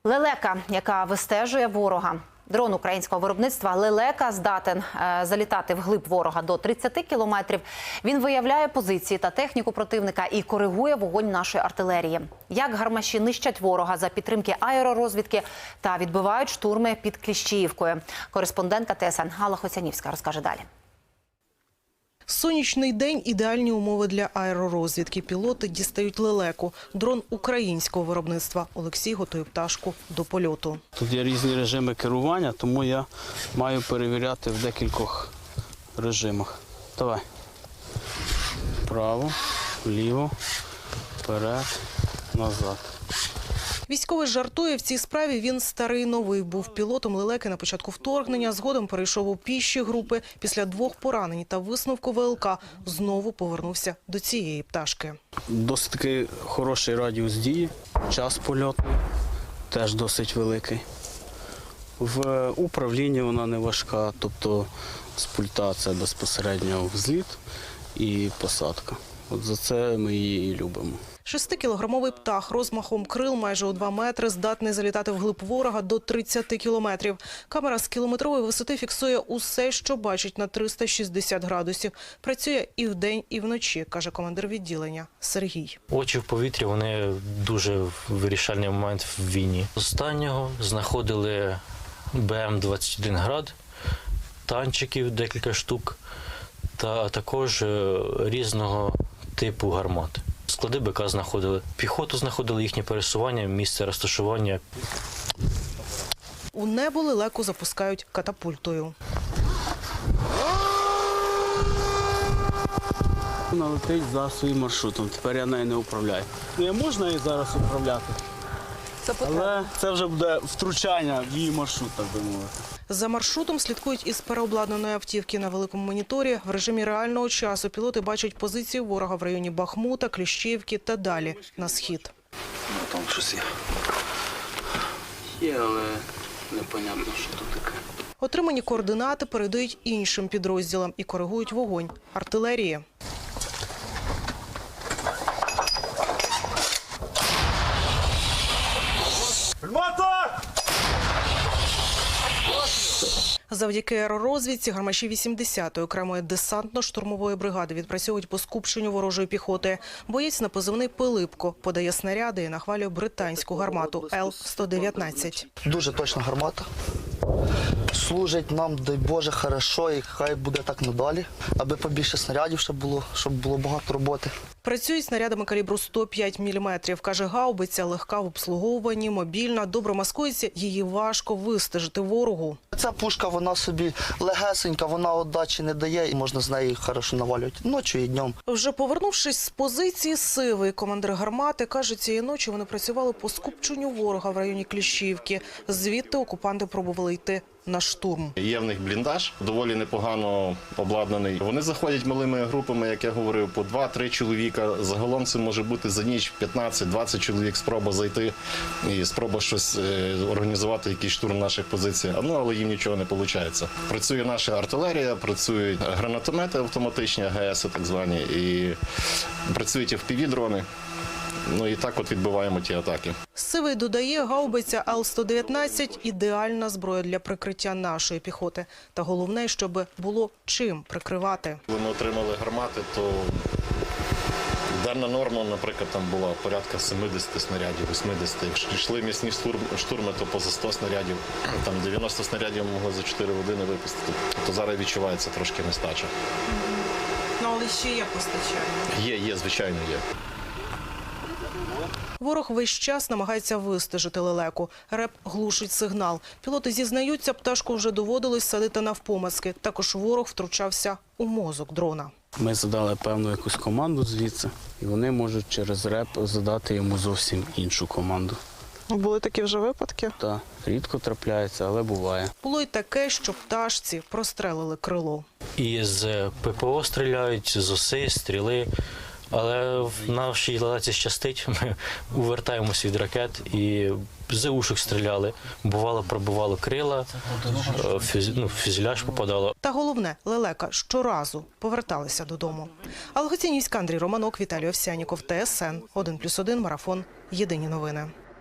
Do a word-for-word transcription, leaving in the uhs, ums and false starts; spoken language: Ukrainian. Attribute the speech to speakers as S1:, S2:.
S1: Лелека, яка вистежує ворога. Дрон українського виробництва «Лелека» здатен е, залітати вглиб ворога до тридцяти кілометрів. Він виявляє позиції та техніку противника і коригує вогонь нашої артилерії. Як гармаші нищать ворога за підтримки аеророзвідки та відбивають штурми під Кліщіївкою. Кореспондентка Т С Н Галина Хоцянівська розкаже далі.
S2: Сонячний день – ідеальні умови для аеророзвідки. Пілоти дістають «Лелеку» – дрон українського виробництва. Олексій готує пташку до польоту.
S3: Тут є різні режими керування, тому я маю перевіряти в декількох режимах. Давай. Вправо, вліво, вперед, назад.
S2: Військовий жартує, в цій справі він старий новий. Був пілотом «Лелеки» на початку вторгнення, згодом перейшов у піші групи. Після двох поранень та висновку В Л К знову повернувся до цієї пташки.
S3: Досить такий хороший радіус дії, час польоту теж досить великий. В управлінні вона не важка, тобто з пульта це безпосередньо взліт і посадка. От за це ми її і любимо.
S2: Шестикілограмовий птах розмахом крил майже у два метри здатний залітати вглиб ворога до тридцяти кілометрів. Камера з кілометрової висоти фіксує усе, що бачить на триста шістдесят градусів. Працює і вдень, і вночі, каже командир відділення Сергій.
S4: Очі в повітрі, вони дуже вирішальний момент в війні. Останнього знаходили Б М двадцять один град, танчиків декілька штук та також різного типу гармат. Склади Б К знаходили, піхоту знаходили, їхнє пересування, місце розташування.
S2: У небо «Лелеку» запускають катапультою.
S3: Вона летить за своїм маршрутом, тепер я нею не управляю. Не можна її зараз управляти, але це вже буде втручання в її маршрут, так би мовити.
S2: За маршрутом слідкують із переобладнаної автівки на великому моніторі. В режимі реального часу пілоти бачать позиції ворога в районі Бахмута, Кліщіївки та далі на схід.
S3: Ну, там щось є. Є, але непонятно, що тут таке.
S2: Отримані координати передають іншим підрозділам і коригують вогонь артилерії. Завдяки аеророзвідці гармаші вісімдесятої окремої десантно-штурмової бригади відпрацьовують по скупченню ворожої піхоти. Боєць на позивний «Пилипко» подає снаряди і нахвалює британську гармату Л сто дев'ятнадцять.
S5: Дуже точна гармата. Служить нам, дай Боже, хорошо, і хай буде так надалі, аби побільше снарядів ще було, щоб було багато роботи.
S2: Працюють снарядами калібру сто п'ять міліметрів. Каже, гаубиця легка в обслуговуванні, мобільна, добре маскується, її важко вистежити ворогу.
S5: Ця пушка, вона собі легесенька, вона отдачі не дає і можна з неї хорошо навалювати ночі і днем.
S2: Вже повернувшись з позиції «Сивий», командир гармати каже, цієї ночі вони працювали по скупченню ворога в районі Кліщіївки. Звідти окупанти пробували йти на штурм.
S6: Є в них бліндаж, доволі непогано обладнаний. Вони заходять малими групами, як я говорив, по два-три чоловіка. Загалом це може бути за ніч п'ятнадцять-двадцять чоловік спроба зайти і спроба щось організувати, якийсь штурм наших позицій. Ну, але їм нічого не виходить. Працює наша артилерія, працюють гранатомети автоматичні, А Г С так звані, і працюють еф пі ві-дрони. Ну і так от відбиваємо ті атаки.
S2: Сивий додає, гаубиця Л сто дев'ятнадцять – ідеальна зброя для прикриття нашої піхоти. Та головне, щоб було чим прикривати.
S6: Вони отримали гармати, то денна норма, наприклад, там була порядка сімдесят снарядів, вісімдесят. Якщо йшли місні штурми, то поза сто снарядів. Там дев'яносто снарядів могли за чотири години випустити. То зараз відчувається трошки нестача.
S2: Ну, але ще є постачання.
S6: Є, є, звичайно, є.
S2: Ворог весь час намагається вистежити «Лелеку». Реп глушить сигнал. Пілоти зізнаються, пташку вже доводилось садити навпомацки. Також ворог втручався у мозок дрона.
S3: Ми задали певну якусь команду звідси, і вони можуть через реп задати йому зовсім іншу команду.
S2: Були такі вже випадки?
S3: Так, рідко трапляється, але буває.
S2: Було й таке, що пташці прострелили крило.
S4: І з П П О стріляють, з ОСИ, стріли. Але в нашій «Лелеці» щастить, ми увертаємося від ракет і з ушок стріляли. Бувало, пробивало крила, фюз... ну, фюзеляж попадало.
S2: Та головне, «Лелека» щоразу поверталися додому. Алла Хоцянівська, Андрій Романок, Віталій Овсянніков, Т С Н один плюс один, марафон. Єдині новини.